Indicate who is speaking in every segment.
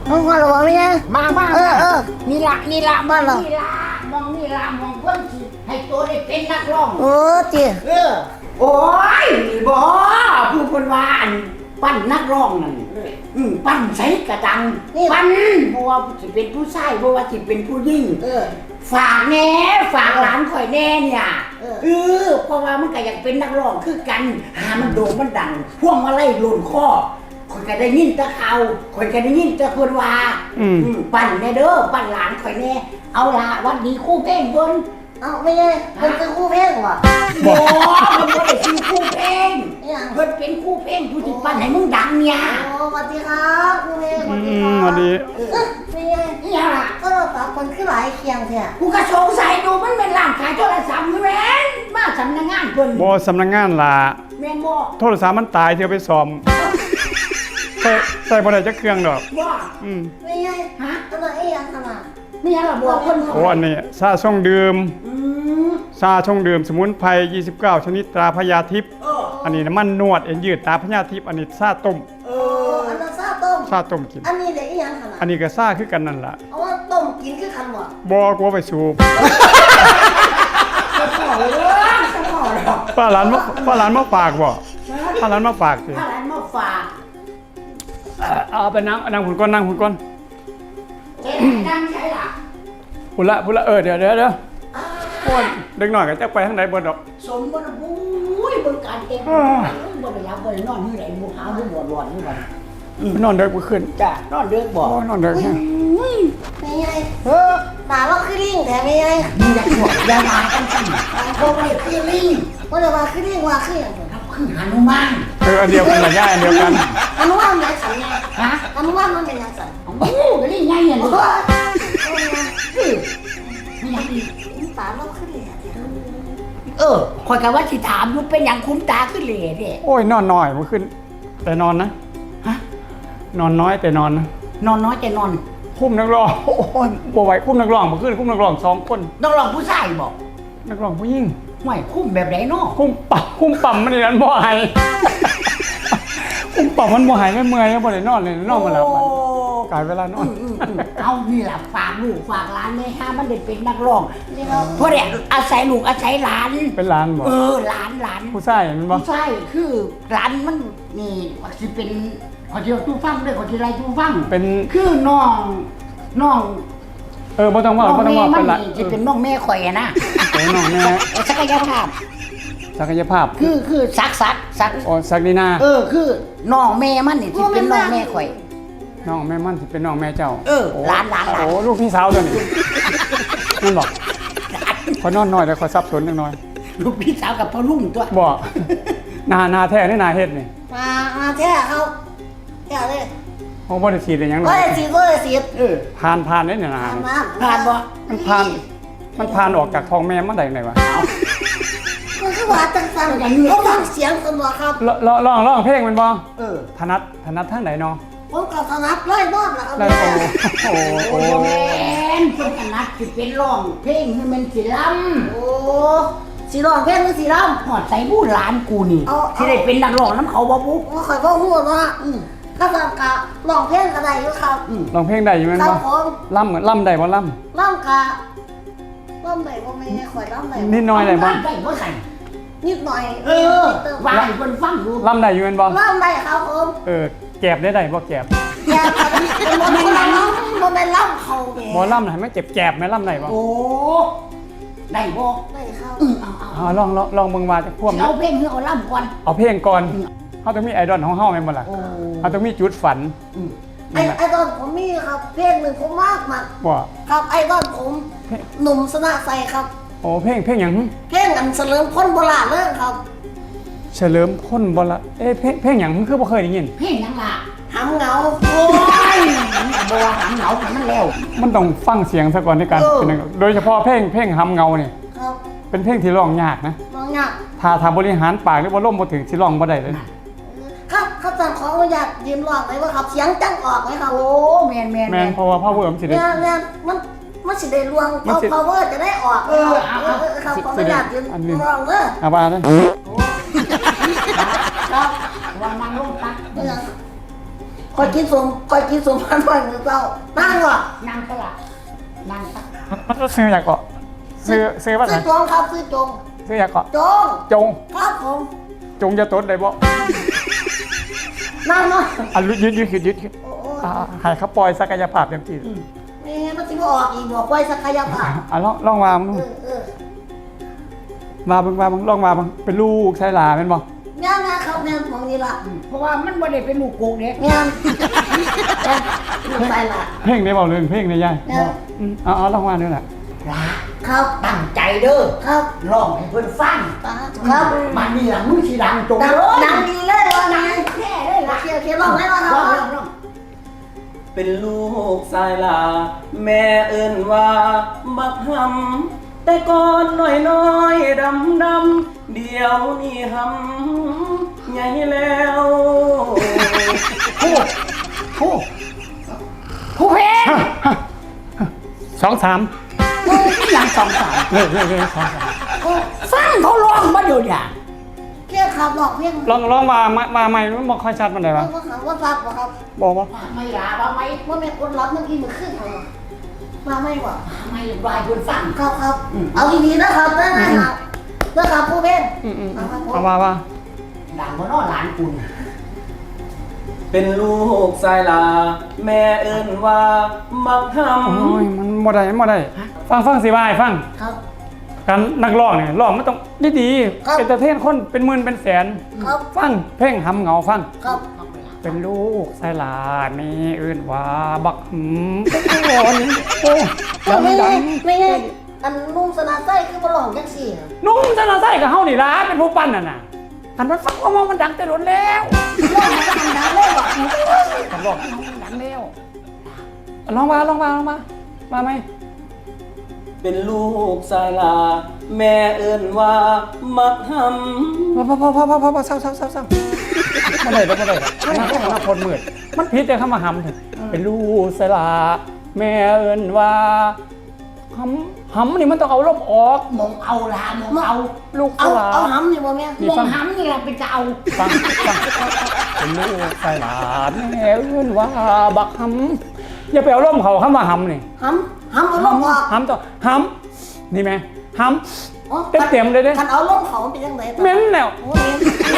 Speaker 1: มึงมาหรือเปล่าไม่ใช่
Speaker 2: มานี่ละ
Speaker 1: บ้านเรา
Speaker 2: มองนี่ละมองเพิ่นสิให้ตัวได้เป็นนักร้อง
Speaker 1: จี
Speaker 2: โอ้ยบ่ผู้คนว่าอันปั้นนักร้องนั่นปั้นใส่กระดังปั้นบ่ว่าสิเป็นผู้ชายบ่ว่าสิเป็นผู้หญิงฝากแน่ฝากหลานข่อยแน่เนี่ยเพราะว่ามันก็อยากเป็นนักร้องคือกันหามันโด่งมันดังพวงมาลัยหล่นคอข่อยก็ได้ยินแต่ข่าวข่อยก็ได้ยินแต่คนว่าปั้นแน่เด้อปั้นหลานข่อยแน่เอาล่ะวันนี้ครู่เพลงเพิ่น
Speaker 1: เอาไม่ใช่เป็นคู่เพลงว่ะ
Speaker 2: บ่มันบ่ได้ชื่อครู่เพลงเพิ่นเป็นครู่เพลงผู้ที่ปั้นให้มึงดังเนี่ย
Speaker 1: สวัสดีครับคู่เพลงสวัสดีครับ
Speaker 3: สวัสดี
Speaker 1: ไม่ใช่
Speaker 2: เนี่ยล่ะ
Speaker 1: ก็เราสามคนขึ้นหลายเคียงแท้
Speaker 2: กูก็สงสัยดูมันเป็นร้านขายโทรศัพท์อยู่แม่นมาสำนักงานเพิ่น
Speaker 3: บ่สำนักงานล่ะ
Speaker 2: แม่นบ่
Speaker 3: โทรศัพท์มันตายเที่ยวไปซ่อมใส่บ่ได้จักเครื่องดอก
Speaker 2: บ่
Speaker 1: ไม่ใช่ฮะตัวเองขนาด
Speaker 2: มีอะไรบอกเพิ่น
Speaker 3: โอ้อันนี้ซาช่องดื่มซาช่องดื่มสมุนไพร29ชนิดตราพญาทิพย์อันนี้น้ำมันนวดเอ็นยืดตราพญาทิพย์อันนี้ซาต้ม
Speaker 1: อันนั้นซาต้ม
Speaker 3: กิน
Speaker 1: อันนี้เด็กอีหยังขนาด
Speaker 3: อันนี้ก็ซาคือกันนั่นล่ะ
Speaker 1: เอาว่าต้มกินคือกัน
Speaker 3: บ่กลัวไปสูบป้าหลานมาฝากบ่ป้าหลานมาฝากสิ
Speaker 2: ป้าหลานมาฝาก
Speaker 3: เอาไปนั่งหุ่นก้อนนั่งหุ่นก้อน
Speaker 2: นั่งใช่ล่ะ
Speaker 3: พุ่นละเดี๋ยวโอ้ยเด็กหน่อยก็จะไปทางไหนบ่ดอก
Speaker 2: สมบูรณ์บุ้ยเบิ่งการเต้นบ่ได้รับบ่ได้นอนนี่ไหนบ่หาบ่บ่ร้อนนี่บ่
Speaker 3: นอนเด็กบ่ขึ้น
Speaker 2: จ้ะนอนเด็กบ่
Speaker 3: นอนเด็ก
Speaker 1: ไม่ใช่ตาเราคือลิงแต่ไม่ใช่
Speaker 2: มึงอยากหัวอยามากันสั่นบ่ได้คือลิง
Speaker 1: ว่าจะมาคือลิงว่าคืออย่าง
Speaker 2: ครับคือหนุมาน
Speaker 3: อันเดียวกันละย่าอันเดียวกัน
Speaker 1: หนุมานมันสันไง
Speaker 2: ฮะ
Speaker 1: หนุมานมันเป็นยังสัน
Speaker 2: โอ้ก็ลิงไงเนี่ยลูกไม่อยากดี
Speaker 1: ตาเราคือลิง
Speaker 2: คอยกันว่าสิถามอยู่เป็นอย่างคุ้มตาขึ้นเลยเด้
Speaker 3: โอ้ยนอนน้อยเมื่อคืนแต่นอนนะ
Speaker 2: ฮะ
Speaker 3: นอนน้อยแต่นอนนะ
Speaker 2: นอนน้อยแต่นอน
Speaker 3: คุ้มนักร้องโอ้ยบ่ไหวคุ้มนักร้องเมื่อคืนคุ้มนักร้อง2คน
Speaker 2: นักร้องผู้ชายบอก
Speaker 3: นักร้องผู้หญิง
Speaker 2: ห่วยคุ้มแบบไหนเนาะ
Speaker 3: คุ้มปั่มมันนี่นั่นบ่หายคุ้มปั่มมันบ่หายไม่เมื่อยบ่ได้นอนเลยนอนมาหลับกลายเวลานอน
Speaker 2: เอานี่แหละฝากลูกฝากหลานเลยฮะมันได้เป็นนักร้องเพราะเนี่ยอาศัยลูกอาศัยหลาน
Speaker 3: เป็นหลานบ่
Speaker 2: หลาน
Speaker 3: ผู้ชายมันบ่
Speaker 2: ผู้ชายคือหลานมันนี่สิเป็นขอเที่ยวตู้ฟังด้วยขอที่ไรตู้ฟัง
Speaker 3: เป็น
Speaker 2: คือน้อง
Speaker 3: บ่ต้องว่า
Speaker 2: เป็นหลานจะเป็นน้องแม่ข่อยนะ
Speaker 3: น้องแม่
Speaker 2: ศักยภาพคือซัก
Speaker 3: อ๋อซักนี่นา
Speaker 2: คือน้องแม่มันนี่สิเป็นน้องแม่ข่อย
Speaker 3: น้องแม่มันสิเป็นน้องแม่เจ้า
Speaker 2: หลาน
Speaker 3: โอ้ลูกพี่สาวตัวนี้นั่นบอกขอนอนน้อยแต่ขอซับสนนิดหน่อย
Speaker 2: ลูกพี่สาวกับพ่อลุงตัว
Speaker 3: บอกนาแท้นี่นาเฮ็ดนี่
Speaker 1: มาแท้เขาแท้เลย
Speaker 3: โอ้บ่ได้ฉีดได้หยังหรอก
Speaker 1: บ่ได้ฉีด
Speaker 3: ผ่านได้เนี่ยนะ
Speaker 2: ผ่านบ่
Speaker 3: มันผ่านออกจากท้องแม่มาได้ไงวะ
Speaker 1: มันคือว่าจังซั่นเขาฟังเสียงสนบ่ครับ
Speaker 3: ร้องเพลงมันบ่ถนัดทางไหนเนาะ
Speaker 1: ผมก็ถนัดร้อยรอบแล้ว
Speaker 3: โอ้
Speaker 2: แม่นคนถนัดสิเป็นร้องเพลงให้มันสิล้ำ
Speaker 1: สิร้องเพลงหรือสิล้
Speaker 2: ำหอดใส่บู้หลานกูนี่สิได้เป็นนักร้องน้ำเขาบ่ปุ๊บ
Speaker 1: ข่อยบ่ฮู้เนาะก็ฟังกะร้องเพลงก็ได้อยู่ครับ
Speaker 3: ร้องเพลงได้อยู่แม่นบ่ล่ำได้บ่ล่
Speaker 1: ำกะล่ำได้บ่แม่ข่อยล่ำได้
Speaker 3: นิดหน่อยได้บ่
Speaker 1: นิดหน่อย
Speaker 2: ว่าให้เพิ่นฟังดู
Speaker 3: ล่ำได้อยู่แม่นบ่
Speaker 1: ล่ำได้ครับผม
Speaker 3: แกบได้บ่แกบ
Speaker 1: เป็นบ่แม่นล่ำเขาแม่
Speaker 3: บ่ล่ำให้มันแกบแม่ล่ำได้บ่
Speaker 2: โอ้ได้บ่
Speaker 1: ได้ครับ
Speaker 3: ลองเบิ่งว่าจักพวก
Speaker 2: เอาเพลงเอาล่ำก่อน
Speaker 3: เอาเพลงก่อนเฮาต้องมีไอดอลของเฮาแม่นบ่ล่ะเฮาต้องมีจุดฝัน
Speaker 1: ไอดอลผมมีครับเพลงนึงผมมาก
Speaker 3: ว่า
Speaker 1: ครับไอดอลผมหนุ่มสนะใสครับ
Speaker 3: โอ้เพลงหยัง
Speaker 1: เพลงอันเฉลิมพลโบราณเลยครับ
Speaker 3: เฉลิมพลโบราณเพลงหยังคือบ่เคยได้ยิน
Speaker 2: เพลงหยังล่ะ
Speaker 1: หำเหงา
Speaker 2: โอ้ยบ่ว่าหำเหงามันแล้ว
Speaker 3: มันต้องฟังเสียงซะก่อนในการเป็นโดยเฉพาะเพลงหำเหงานี่
Speaker 1: ครับ
Speaker 3: เป็นเพลงที่ร้องยากนะ
Speaker 1: ร้องยาก
Speaker 3: ถ้าบริหารปากหรือว่าล่มบ่ถึงสิร้องบ่ได้เลย
Speaker 1: ครับเขาสั่งขออนุญาตยืมร้องเลยว่าครับเสียงจังออกไหมครับ
Speaker 2: โอ้แม่น
Speaker 3: เพราะว่าพ่อเวิร์มสิได้
Speaker 1: มันสิได้รวงพาวเวอร์จะได้ออกครับขออนุญาตยืมร้องเด้อ
Speaker 3: เอาว่าเด้อ
Speaker 2: ครับวางนั่งลงตัก
Speaker 1: คอยกินสมพันวันหรือเปล่านั่งวะ
Speaker 2: นั่งก็ละนั่งซะ
Speaker 3: มันซื้ออยากเกาะซื้อว่าไง
Speaker 1: ซื้อจงครับซื้อจง
Speaker 3: ซื้ออยากเกาะ
Speaker 1: จง
Speaker 3: จง
Speaker 1: ครับผม
Speaker 3: จงจะตดได้บ่
Speaker 1: นั่งเนาะ
Speaker 3: อ่ะยืดขึ้น
Speaker 1: โอ้โห
Speaker 3: ให้เขาปล่อยศักยภาพเต็มที่
Speaker 1: นี่มันสิบ่ออกอีกบอกไว้ศักยภาพ
Speaker 3: ลองมามึง มาเบิ่งลองมาเบิ่งเป็นลูกชายหลาแม่นบ่
Speaker 1: งานนะครับงานของนี่ละ
Speaker 2: เพราะว่ามันบ่ได้เป็นลูกโกงเด้
Speaker 1: งานลูกไปละ
Speaker 3: เพลงได้บ่เรื่องเพลงได้ยาย
Speaker 1: งาน
Speaker 3: เอาลองมาด้วยล่ะ
Speaker 2: ละ
Speaker 1: ครับ
Speaker 2: ตั้งใจเด้อ
Speaker 1: ครับ
Speaker 2: ร้องให้เพิ่นฟัง
Speaker 1: ครับ
Speaker 2: มันนี่ล่ะมึงสิดังจง
Speaker 1: ดัง
Speaker 2: เลย
Speaker 1: ดังดีเลยว่าดัง
Speaker 2: แน่เลยล่ะ
Speaker 1: เขียวร้องให้ว่าค
Speaker 2: ร้อง
Speaker 1: รับ
Speaker 2: ร้อง
Speaker 4: เป็นลูกสายลา แม่เอิ้นว่าบักหำแต่ก่อนน้อยดำเดี๋ยวนี้หำใหญ่แล้ว
Speaker 2: ผู้เพลง
Speaker 3: 2-3
Speaker 2: ยังสองสาม
Speaker 3: เลย2-3
Speaker 2: ฟังเขาร้องมาอยู่เนี่ย
Speaker 1: เพี้ยขับหลอกเพี้ย
Speaker 3: ลองมาใหม่มันบ่ค่อยชัดปานใดวะ
Speaker 1: ว่าขับว่าฟักบ่ครับ
Speaker 3: บ่บ่
Speaker 2: ไม่ลาบ้าไหม
Speaker 1: ว่าแม่คนรับเมื่อกี้มันขึ้นเหรอมาไม่บ่
Speaker 2: ไม่รายคนฟัง
Speaker 1: ครับเอาดีๆนะครับนะครับผู้เพ่ง
Speaker 3: เอามา
Speaker 2: ดังเพราะน้อหลานคุณ
Speaker 4: เป็นลูกสายลา แม่เอิ้นว่าบักห
Speaker 3: โอ้ยมันบ่ได้ฟังสิว่าให้ฟัง
Speaker 1: ครับ
Speaker 3: การนักร้องเนี่ยร้องมันต้องดี
Speaker 1: ครับ
Speaker 3: เอนเตอร์เทนคนเป็นหมื่นเป็นแสน
Speaker 1: ครับ
Speaker 3: ฟังเพลงหำเหงาฟัง
Speaker 1: ครับ
Speaker 3: เป็นลูกสายหลานแม่เอิ้นว่าบักหำโอ้ยโอ้ย
Speaker 1: ไม่
Speaker 3: ดั
Speaker 1: ไง
Speaker 3: ง
Speaker 1: ไม่ไงอันนุ่มสนาไส้คือมาหลอกจังสี่
Speaker 3: นุ่มจะน่าใส่กับเฮานี่ล่ะเป็นผู้ปั้นน่ะอันมันฟังว่ามันดังแต่ล้นแล้ว
Speaker 1: หลอกมันดังเลยบ่
Speaker 3: อันบอกมันดังแล้วลองมาไหม
Speaker 4: ำเป็นลูกสายลา แม่เอิ้นว่าบักหำ
Speaker 3: พอเศร้าไม่ได้น่าคนมืดมันผิดแต่คำว่าหำเถอะเป็นลูกสลาแม่เอิ้นว่าหำนี่มันต้องเอาลมออก
Speaker 2: มองเอาละมองเอา
Speaker 3: ลูกส
Speaker 1: เอา
Speaker 3: ลา
Speaker 1: เอาหำนี่บ่แม่
Speaker 3: นี่
Speaker 2: มอ
Speaker 3: ฟั
Speaker 2: ง
Speaker 3: ง
Speaker 2: หำนี่เราเป็นจะเอา
Speaker 3: ฟังเป็นลูกสลาแม่เอิ้นว่าบักหำอย่าไปเอาลมเขาคำว่าหำนี่
Speaker 1: หำเอาลมออก
Speaker 3: หำต่อหำนี่ไหมหำเต็มเลยเด้
Speaker 1: คันเอาลมเขาเป็นจังได๋
Speaker 3: เหม็นแล้ว
Speaker 1: โอ้ย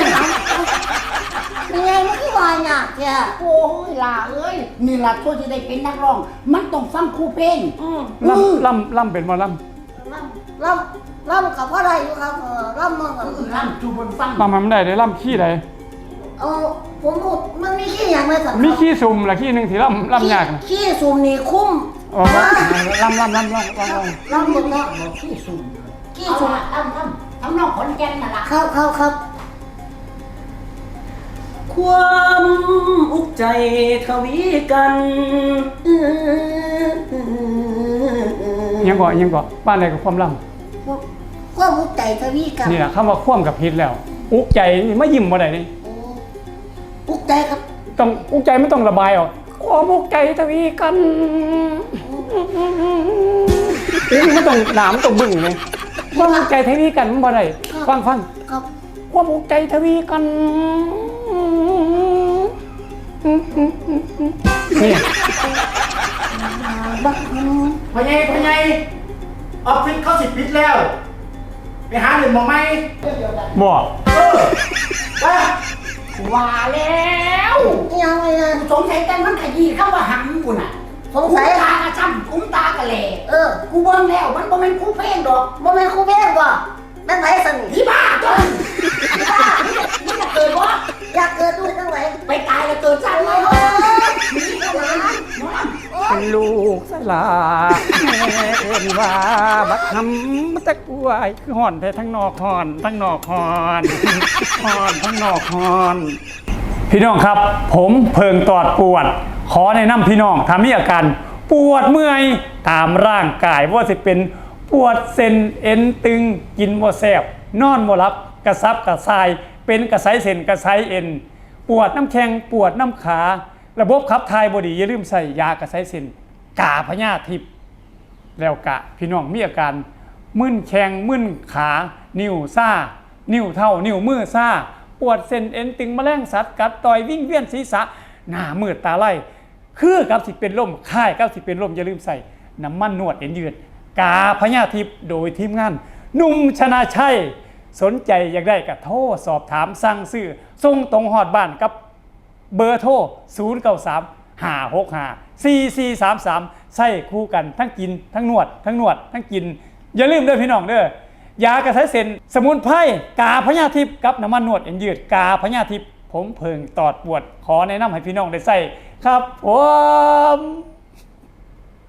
Speaker 1: เป็นไงมันคือว่าหยาบแท้
Speaker 2: โอ้ยล่ะเอ้ยนี่ล่ะตัวที่ได้เป็นนักร้อง มันต้องฟังครูเพลง
Speaker 3: ล่ำเป็นบ่ล่
Speaker 1: ล่ำกับว่าได้อยู่ครับล่ำมาก่อน
Speaker 2: ร่ำจูบนฟัง
Speaker 3: ำมันได้ได้ล่ำขี้ใด
Speaker 1: ผมพูดมันมีขี้อย่างไรสัก
Speaker 3: มีขี้ซุ่มละขี้หนึ่งที่ล่ำยากนะ
Speaker 1: ขี้ซุ่มนี่คุ้ม
Speaker 3: อ๋อล่ำ
Speaker 1: ล่ำหมดแล้ว
Speaker 2: บอกขี้สุ่ม
Speaker 1: ขี้
Speaker 2: เอา
Speaker 1: ซุ่ม
Speaker 2: ละทำนองขอนแก่นน่ะล่ะ
Speaker 1: ครับ
Speaker 4: ความอุกใจทวีกัน
Speaker 3: ยังก่อบ้านใดกับความล่
Speaker 1: ความมุกใจทวีกัน
Speaker 3: ำนี่แหละคำว่าคว่ำกับพิษแล้ว อุกใจนี่ไม่ยิ้มบ่ได้นี่
Speaker 1: มุกใจครับ
Speaker 3: ต้องอุกใจไม่ต้องระบายออกความอุกใจทวีกันไม่ต้องหนามต้องบึ้งเลยความอุกใจทวีกันมันบ่ได้ฟัง
Speaker 1: ครับ
Speaker 3: ความอุกใจทวีกันนี่
Speaker 1: บัก
Speaker 5: พ่อใหญ่ออฟฟิศเขาสิปิดแล้ว ไปหาหนึ่งมองไหม
Speaker 3: บ่
Speaker 5: ไป
Speaker 2: ว่าแล้ว
Speaker 1: ยังไงนะ
Speaker 2: สงสัยแต่มันขยี้เข้าว่าหำกูน่ะ
Speaker 1: สงสัย
Speaker 2: ตากระช้ำกุ้มตากระแหล่
Speaker 1: อ
Speaker 2: กูเบิ่งแล้วมันบ่แม่นครูเพลงดอก
Speaker 1: บ่แม่นครูเพ่งบ่แม่นไผสนิท
Speaker 2: ที่บ้าจนที่บ้านี่จะเกิดบ่
Speaker 1: อยากเกิดด้วยจังได
Speaker 2: ไปตายแล้วเกิดชาติใหม่
Speaker 1: โอ้
Speaker 2: เฮ้ย
Speaker 1: ย
Speaker 2: นี่ก็หลานน้อง
Speaker 3: เป็นลูกสลาแม่เอิ้นว่าบักหำมันตะกล้วยคือห่อนแต่ทั้งนอกห่อนทั้งนอกห่อนห่อนทั้งนอกห่อน พี่น้องครับ ผมเพิงตอดปวด ขอแนะนำพี่น้องถ้ามีอาการปวดเมื่อยตามร่างกายว่าสิเป็นปวดเส้นเอ็นตึงกินบ่แซ่บนอนบ่หลับกระซับกระส่ายเป็นกระไสเส้นกระไสเอ็นปวดน้ำแข้งปวดน้ำขาระบบขับถ่ายบ่ดีอย่าลืมใส่ยากระไสเส้นกาพญาทิพย์แล้วกะพี่น้องมีอาการมึนแข้งมึนขานิ้วซ่านิ้วเท่านิ้วมือซ่าปวดเส้นเอ็นตึงแมลงสัตว์กัดต่อยวิ่งเวียนศีรษะหน้ามืดตาไล่คือกับสิเป็นลมค่ายกับสิเป็นลมอย่าลืมใส่น้ำมันนวดเอ็นยืดกาพญาทิพย์โดยทีมงานหนุ่มชนะชัยสนใจอยากได้ก็โทรสอบถามสั่งซื้อส่งตรงฮอดบ้านกับเบอร์โทร093-565-4433ใส่คู่กันทั้งกินทั้งนวดทั้งกินอย่าลืมเด้อพี่น้องเด้อยากระใช้เส้นสมุนไพรกาพญาทิพย์กับน้ำมันนวดเอ็นยืดกาพญาทิพย์ผมเพิงตอดปวดขอแนะนำให้พี่น้องได้ใส่ครับผม